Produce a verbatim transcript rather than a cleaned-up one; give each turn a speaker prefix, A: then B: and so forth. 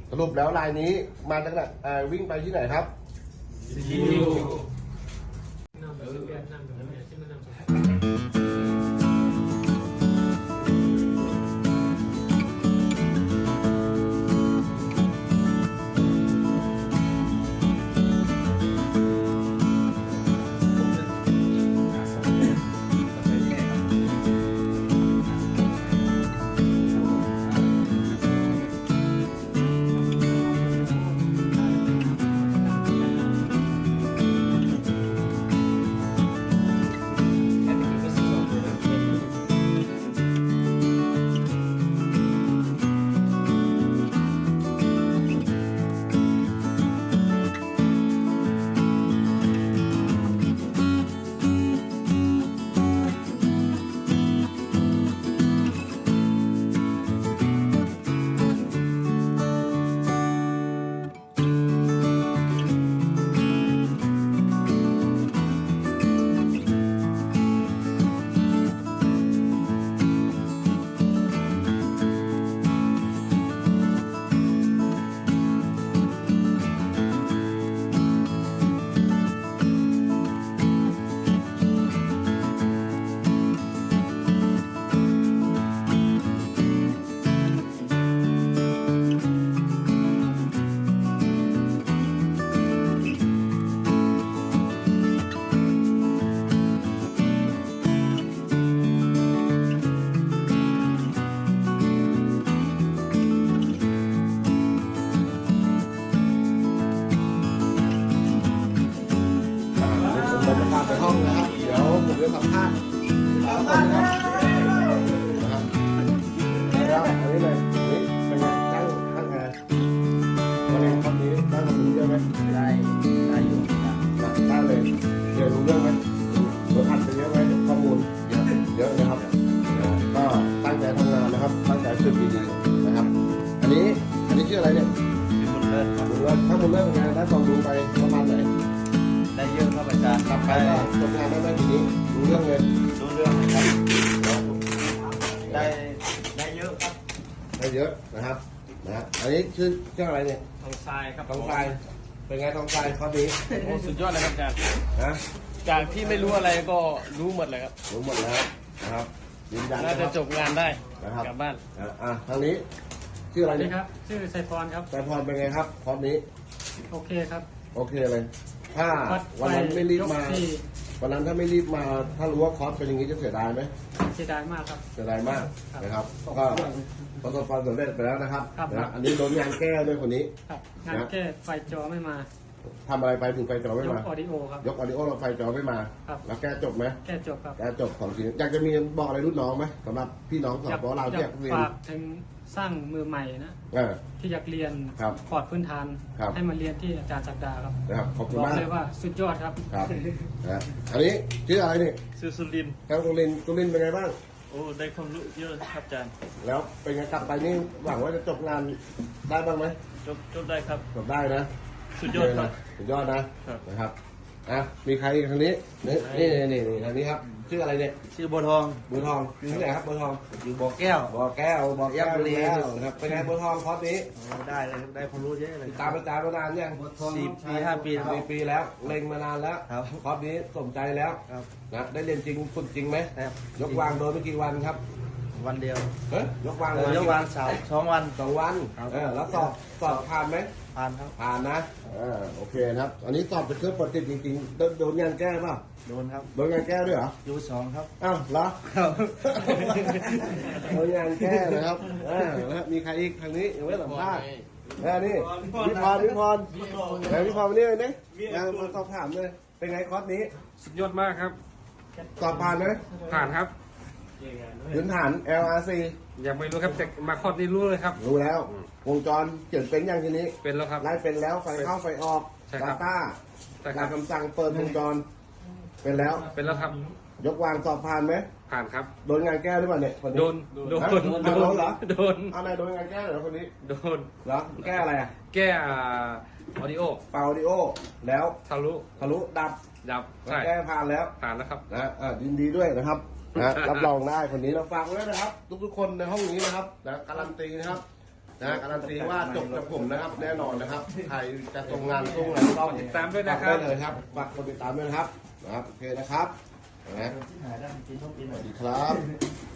A: สรุปแล้วรายนี้มาจากไหนอ่าวิ่งไปที่ไหนครับ
B: ซีอิ๊วน้ำแบบเวียดนามแบบนี้ที่มันน้ำ
A: บรรยากาศในห้องนะครับเดี๋ยวผมจะสัมภาษณ์สามคนนะครับนะครับแล้วอันนี้เลยนี่เป็นไงตั้งตั้งไงวันนี้คำนี้ตั้งคำนี้เยอะไหมได้ได้อยู่ได้เลยเดี๋ยวรู้เรื่องไหมรถอัดไปเยอะไหมข้อมูลเยอะเยอะนะครับก็ตั้งใจทำงานนะครับตั้งใจฝึกดีๆนะครับอันนี้อันนี้ชื่ออะไรเนี่ยบุญเลิศครับบุญเลิศถ้าบุญเลิศเป็นไงได้ความรู้ไปประมาณไหน
C: ได้เยอะครับอาจารย์
A: กลับไปก็ทำงานได้ไหมทีนี้รู้เรื่องเลย
C: รู้เรื่องครับได้ได้เยอะครับ
A: ได้เยอะนะครับนะอันนี้ชื่อชื่ออะไรเนี่ย
B: ทองทรายครับ
A: ทองทรายเป็นไงทองทรายข้อนี้
B: โอ้สุดยอดเลยครับอาจารย์
A: นะ
B: จากที่ไม่รู้อะไรก็รู้หมดเลยครับ
A: รู้หมดแล้วนะครับยืนยัน
B: น่าจะจบงานได้
A: นะครับ
B: กลับบ้าน
A: อ่ะทางนี้ชื่ออะไรเนี่ย
B: ครับชื่อไซฟอนครับ
A: ไซฟอนเป็นไงครับข้อนี้
B: โอเคครับ
A: โอเคเลยถ้าวันนั้นไม่รีบมาวันนั้นถ้าไม่รีบมาถ้ารู้ว่าคอร์สเป็นอย่างนี้จะเสียดายไหม
B: เสียดายมากครับ
A: เสียดายมากนะครับก็ประสบความสำเร็จไปแล้วนะครับนะอันนี้โดนงานแก้ด้วยคนนี้
B: งานแก้ไฟจอไม่มา
A: ทำอะไรไปถึงไฟจอไม่มาย
B: กออดิโอครับ
A: ยกออดิโอเราไฟจอไม่มาแล้วแก้จบไหม
B: แก้จบครับ
A: แก้จบของทีอยากจะมีบอกอะไรรุ่นน้องไหมสำหรับพี่น้องสาวเราที่อยากเรียน
B: ฝากถึงสร้างมือใหม่นะที่อยากเรียนพอร์ตพื้นฐานให้มาเรียนที่อาจารย์ศักดาครับ
A: นะครับขอบคุณมาก
B: เลยว่าสุดยอดครับ
A: ครับนะอันนี้ชื่ออะไรนี่
C: ชื่อสุรินทร์
A: ครับสุรินทร์สุรินทร์เป็นไงบ้าง
C: โอ้ได้ความรู้เยอะครับอาจารย์
A: แล้วเป็นไงกลับไปนี่หวังว่าจะจบงานได้บ้างไหม
C: จบจบได้ครับ
A: จบได้นะ
C: สุดยอดครับ
A: สุดยอดนะนะครับอ่ะมีใครอีกทางนี้นี่นี่นี่ทางนี้ครับชื่ออะไรเนี่ย
C: ชื่อบัวทอง
A: บัวทองอยู่ที่ไหนครับบัวทอง
C: อยู่บ่อแก้ว
A: บ่อแก้วบ่อแก้วบุรีนะครับเป็นไงบัวทองคอร์สนี้
C: ได้เลยได้ความรู้เยอะเลย
A: ตามอาจารย์มานานยัง
C: สี่ปีห้าปี
A: สี่ปีแล้วเล็งมานานแล้วคอร์สนี้สมใจแล้วนะได้เรียนจริงฝึกจริงไหมยกวางโดนไปกี่วันครับ
C: วันเดียว
A: เฮ้ยยกวาง
C: ยกวางสาวสองวัน
A: สองวันเออแล้วสอบสอบผ่านไหม
C: ผ่านครับ
A: ผ่านนะเออโอเคนะครับอันนี้สอบเป็นเครื่องปฏิบัติจริงๆโดนงานแก้ป่ะ
C: โดนครับ
A: โดนงานแก้ด้วยเหรอ
C: ยูสองครับ
A: อ้าวเหรอโดนงานแก้นะครับเออแล้วมีใครอีกทางนี้ยังไม่สัมภาษณ์แล้วนี่พี่พรพี่พรแล้วพี่พรมาเนี่ยนี่ยังมาสอบถามเลยเป็นไงคอร์สนี้
B: สุดยอดมากครับ
A: สอบผ่านไหม
B: ผ่านครับ
A: พื้นฐาน แอล อาร์ ซี
B: ยังไม่รู้ครับแต่มาคอร์สนี้รู้เลยครับ
A: รู้แล้ววงจรเขียนเป็นอย่างทีนี้
B: เป็นแล้วครับ
A: ไล่เป็นแล้วไฟเข้าไฟออกดาต้าการคำสั่งเปิดวงจรเป็นแล้ว
B: เป็นแล้วครับ
A: ยกวางสอบผ่านไหม
B: ผ่านครับ
A: โดนงานแก้หรือเปล่าเนี่ย
B: โดนโดน
A: โดนเหรอ
B: โดน
A: อะไรโดนงานแก้เหรอคนนี้
B: โดน
A: เหรอแก้อะไรอ่ะ
B: แก้ออดิโอ
A: เป่าออดิโอแล้ว
B: ทะลุ
A: ทะลุดับ
B: ดับ
A: แก้ผ่านแล้ว
B: ผ่านแล้วครับ
A: นะยินดีด้วยนะครับนะรับรองได้คนนี้เราฟังไว้นะครับทุกๆคนในห้องนี้นะครับนะการันตีนะครับนะการันตีว่าจบจากผมนะครับแน่นอนนะครับใครจะตรงงานตรงไหนก็
D: ติดตามด้วยนะครับ
A: ได้เลยครับฝากกดติดตามด้วยนะครับนะครับโอเคนะครับนะสวัสดีครับ